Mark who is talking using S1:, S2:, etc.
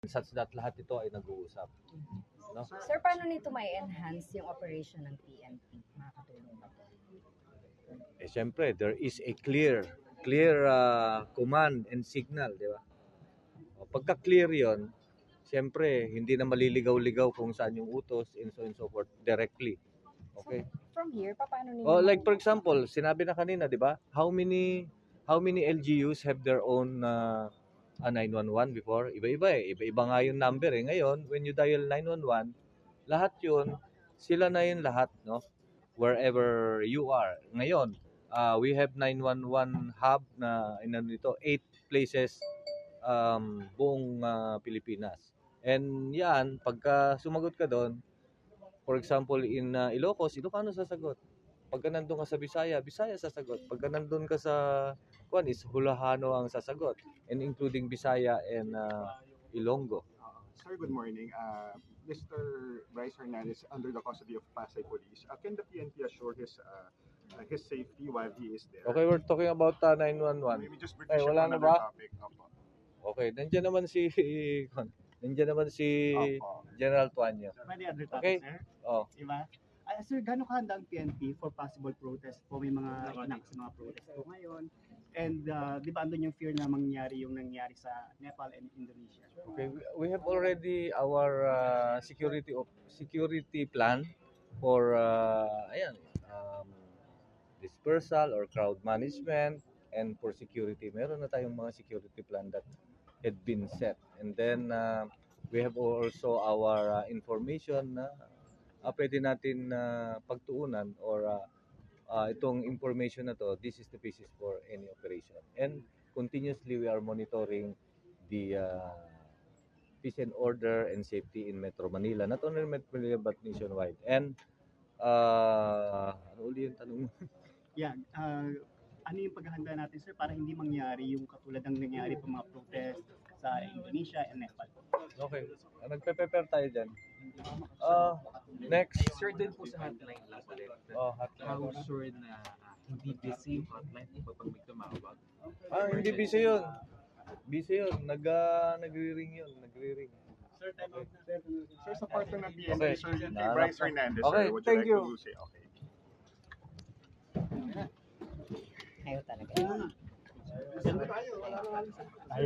S1: such that lahat ito ay nag-uusap. No?
S2: Sir, paano nito may enhance yung operation ng PNP? Makakatulong ba ito?
S1: Siyempre, there is a clear command and signal, di ba? Pagka clear yon, siyempre, hindi na maliligaw-ligaw kung saan yung utos and so forth directly. Okay?
S2: So, from here, paano ninyo?
S1: Like for example, sinabi na kanina, di ba? How many LGUs have their own 911 before? Iba-iba eh. Iba-iba nga yung number eh. Ngayon, when you dial 911, lahat yun, sila na yun lahat, no? Wherever you are. Ngayon, we have 911 hub na nito 8 places buong Pilipinas. And yan, pagka sumagot ka doon, for example, in Ilocos, Ilocano sasagot. Pagka nandun ka sa Bisaya, Bisaya sasagot. Pagka nandun ka sa Kuan is Hulahano ang sasagot, and including Bisaya and Ilonggo.
S3: Sir, good morning. Mr. Bryce Hernandez, under the custody of Pasay Police, can the PNP assure his safety while he is there?
S1: Okay, we're talking about 911.
S3: Maybe just
S1: Ay, wala na ba?
S3: topic. Opo.
S1: Okay, nandiyan naman si
S3: Opo.
S1: General Tuanyo.
S4: Pwede other topic,
S1: Okay.
S4: sir?
S1: Oh,
S4: Diba? Sir, gano'ng kahanda ang PNP for possible protest po? May mga inakas na mga protest po ngayon. And di ba andun yung fear na mangyari yung nangyari sa Nepal and Indonesia?
S1: okay. We have already our security plan for dispersal or crowd management and for security. Meron na tayong mga security plan that had been set. And then we have also our information na pwede natin pagtuunan or itong information na to, this is the basis for any operation. And continuously we are monitoring the peace and order and safety in Metro Manila. Not only in Metro Manila but nationwide. And ano uli yung tanong mo?
S4: Yeah, ano yung paghahanda natin, sir, para hindi mangyari yung katulad ng nangyari pa mga protest sa Indonesia and Nepal?
S1: Okay. Nagpe-prepare tayo dyan. Next.
S5: Sure, din po sa hotline lang ulit.
S1: Hotline.
S5: How sure na hindi busy yung hotline po pag may tumawag?
S1: Hindi busy yun. Busy yun. Nagre-ring yun. Nagre-ring.
S4: Sir, time out.
S3: Sir, sa part ng PNP,
S1: Okay.
S3: Sir, kay Bryce Hernandez,
S1: Okay,
S3: sir, would
S1: thank
S3: you
S1: you.
S3: like to say, okay.
S2: Ayaw talaga.